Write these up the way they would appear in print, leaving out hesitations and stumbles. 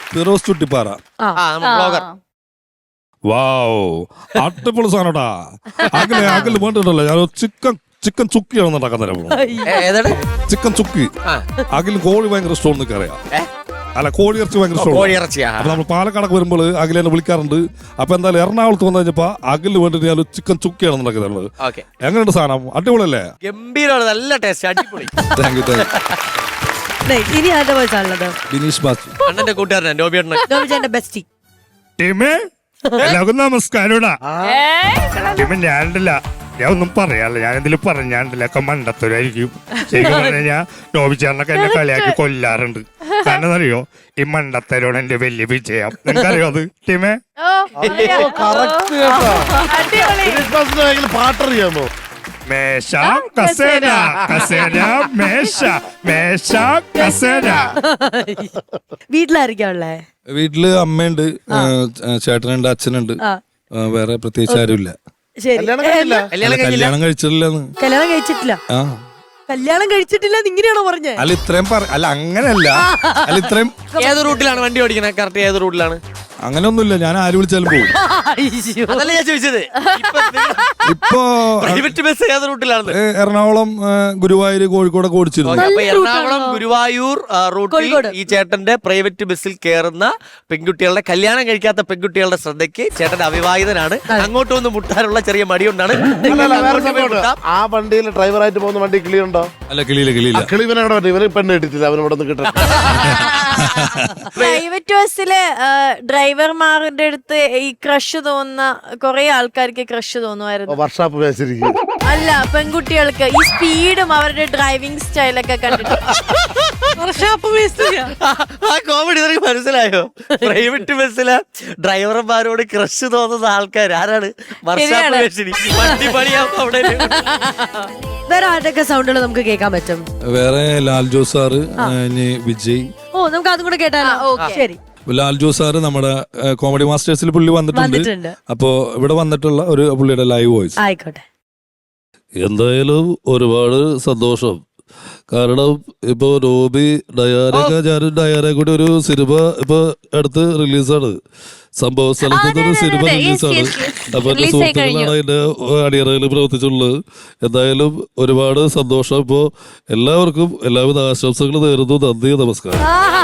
ഫിറോസ് ചുട്ടിപ്പാറ. വാവ്, അടിപൊളി സാധനടാ. അകല് വേണ്ടിട്ടല്ലോ ഞാൻ ചിക്കൻ ചുക്കിയാണ് ഉണ്ടാക്കാൻ തരാം. ചിക്കൻ ചുക്കി അകല് കോഴി ഭയങ്കര ഇഷ്ടം അറിയാം. അല്ല, കോഴി ഇറച്ചി ഭയങ്കര ഇഷ്ടമാണ്. അപ്പൊ നമ്മൾ പാലക്കാടൊക്കെ വരുമ്പോൾ അകല് എന്നെ വിളിക്കാറുണ്ട്. അപ്പൊ എന്തായാലും എറണാകുളത്ത് വന്നു കഴിഞ്ഞപ്പോ അകല് വേണ്ടിട്ട് ഞാൻ ചിക്കൻ ചുക്കിയാണ് ഉണ്ടാക്കുന്നത്. എങ്ങനെയുണ്ട് സാധനം? അടിപൊളിയല്ലേ? ഗംഭീരമാണ്, നല്ല ടേസ്റ്റ്, അടിപൊളി. Thank you. ഇനി ആരുടെ വോയിസാണുള്ളത്? ബിനീഷ് ബാച്ചു, അണ്ണന്റെ കൂട്ടുകാരൻ നോബിചേട്ടന്റെ ബെസ്റ്റി. എല്ലാവർക്കും നമസ്കാരൂടാ. ഞാനില്ല, ഞാൻ ഒന്നും പറയാല്ല. ഞാൻ എന്തെങ്കിലും പറഞ്ഞാണ്ടില്ലൊക്കെ മണ്ടത്തരായിരിക്കും. ശരിക്കും പറഞ്ഞാൽ നോബിച്ചാറിനൊക്കെ എന്നെ കളിയാക്കി കൊല്ലാറുണ്ട്. കാരണം അറിയോ, ഈ മണ്ടത്തരോട് എന്റെ വലിയ വിജയം. നിനക്കറിയോ അത് ടീമേ? പാട്ടറിയാമോ? മേശ കസേര കസേര മേശ മേശ കസേര. വീട്ടിലായിരിക്കാ ഉള്ളേ? വീട്ടില് അമ്മയുണ്ട്, ചേട്ടനുണ്ട്, അച്ഛനുണ്ട്. വേറെ പ്രത്യേകിച്ച് ആരുമില്ല. ശരി, കല്യാണം കഴിച്ചിട്ടില്ലെന്ന്. കല്യാണം കഴിച്ചിട്ടില്ല. കല്യാണം കഴിച്ചിട്ടില്ല ഇങ്ങനെയാണോ പറഞ്ഞേ? അല്ല ഇത്രയും അല്ല അങ്ങനെയല്ല. അല്ല ഇത്രയും ഏത് റൂട്ടിലാണ് വണ്ടി ഓടിക്കണേ? കറക്റ്റ് ഏത് റൂട്ടിലാണ്? അങ്ങനെയൊന്നുമില്ല, ഞാൻ ആര് വിളിച്ചാലും പോകും. അതല്ല ഞാൻ ചോദിച്ചത്. ഇപ്പൊ പ്രൈവറ്റ് ബസ് ഏത് റൂട്ടിലാണ്? എറണാകുളം, ഗുരുവായൂർ, കോഴിക്കോടൊക്കെ ഓടിച്ചിരുന്നു. അപ്പൊ എറണാകുളം ഗുരുവായൂർ റൂട്ടിൽ ഈ ചേട്ടന്റെ പ്രൈവറ്റ് ബസ്സിൽ കയറുന്ന പെൺകുട്ടികളുടെ, കല്യാണം കഴിക്കാത്ത പെൺകുട്ടികളുടെ ശ്രദ്ധയ്ക്ക് ചേട്ടൻ അവിവാഹിതനാണ്. അങ്ങോട്ടൊന്ന് മുട്ടാനുള്ള ചെറിയ മടിയുണ്ടാണ്. ആ വണ്ടിയിൽ ഡ്രൈവറായിട്ട് പോകുന്ന വണ്ടി കിളിയുണ്ടോ? അല്ല, കിളിയില്ല. ഇവന് പെണ്ണ് കിട്ടില്ല, അവന് ഇവിടെ നിന്ന് കിട്ടും. പ്രൈവറ്റ് ബസ്സില് ഡ്രൈവർമാരുടെ അടുത്ത് ഈ ക്രഷ് തോന്നുന്ന കുറെ ആൾക്കാർക്ക് ക്രഷ് തോന്നുമായിരുന്നു. വർഷാപ്പ് വെച്ചിരിക്കും. അല്ല, പെൺകുട്ടികൾക്ക് ഈ സ്പീഡും അവരുടെ ഡ്രൈവിംഗ് സ്റ്റൈലൊക്കെ കണ്ടിട്ട് ആ കോമഡി നിനക്ക് മനസ്സിലായോ? പ്രൈവറ്റ് ബസ്സിലെ ഡ്രൈവർമാരോട് ക്രഷ് തോന്നുന്ന ആൾക്കാർ ആരാണ്? വണ്ടി പണിയാവുമ്പോ അവിടെ വേറെ ആരുടെയൊക്കെ സൗണ്ടുകൾ നമുക്ക് കേൾക്കാൻ പറ്റും? വേറെ ലാൽ ജോസ് സാറ്, വിജയ്. ഓ, നമുക്ക് അതും കൂടെ കേട്ടാലോ? ശരി. ലാൽ ജോസ് സാറ് നമ്മുടെ കോമഡി മാസ്റ്റേഴ്സിൽ പുള്ളി വന്നിട്ടുണ്ട്. അപ്പോ ഇവിടെ വന്നിട്ടുള്ള ഒരു പുള്ളിയുടെ ലൈവ് വോയിസ്. ആയിക്കോട്ടെ. എന്തായാലും ഒരുപാട് സന്തോഷം. കാരണം ഇപ്പൊ നോബി ഡയാനൊക്കെ, ഞാനും ഡയാനെ കൂടി ഒരു സിനിമ ഇപ്പൊ അടുത്ത് റിലീസാണ്. സംഭവ സ്ഥലത്ത് ഒരു സിനിമ റിലീസാണ്. അപ്പൊ എന്റെ സുഹൃത്തുക്കളാണ് അതിന്റെ അണിയറയിൽ പ്രവർത്തിച്ചുള്ളത്. എന്തായാലും ഒരുപാട് സന്തോഷം. ഇപ്പോ എല്ലാവർക്കും എല്ലാവിധ ആശംസകൾ നേരുന്നു. നന്ദി, നമസ്കാരം.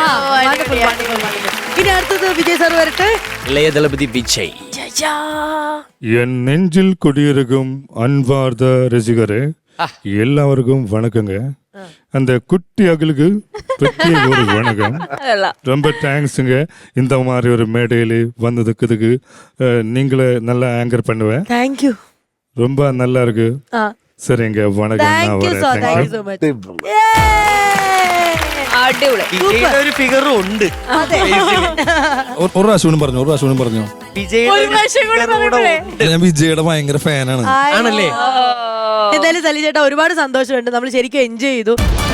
ഇനി അടുത്തത് വിജയ് സാർ വരട്ടെ. ഇളയ ദളപതി വിജയ്. என் நெஞ்சில் குடியிருக்கும் அன்பார்ந்த ரசிகரே, எல்லாருக்கும் வணக்கங்க. அந்த குட்டி அகலுக்கு பிரத்யேக ஒரு வணக்கம். ரொம்ப தேங்க்ஸுங்க. இந்த மாதிரி ஒரு மேடையில் வந்ததுக்கு நீங்களே நல்லா ஆங்கர் பண்ணுவேன். தேங்க்யூ. ரொம்ப நல்லா இருக்கு. சரிங்க, வணக்கம். நான் வரேன். ഒരു ഫിഗറും ഉണ്ട്. ഒരു പ്രാവശ്യം പറഞ്ഞു. ഞാൻ വിജയുടെ ഭയങ്കര ഫാനാണ്. ആണല്ലേ? എന്തായാലും സലി ചേട്ടാ, ഒരുപാട് സന്തോഷമുണ്ട്. നമ്മൾ ശരിക്കും എൻജോയ് ചെയ്തു.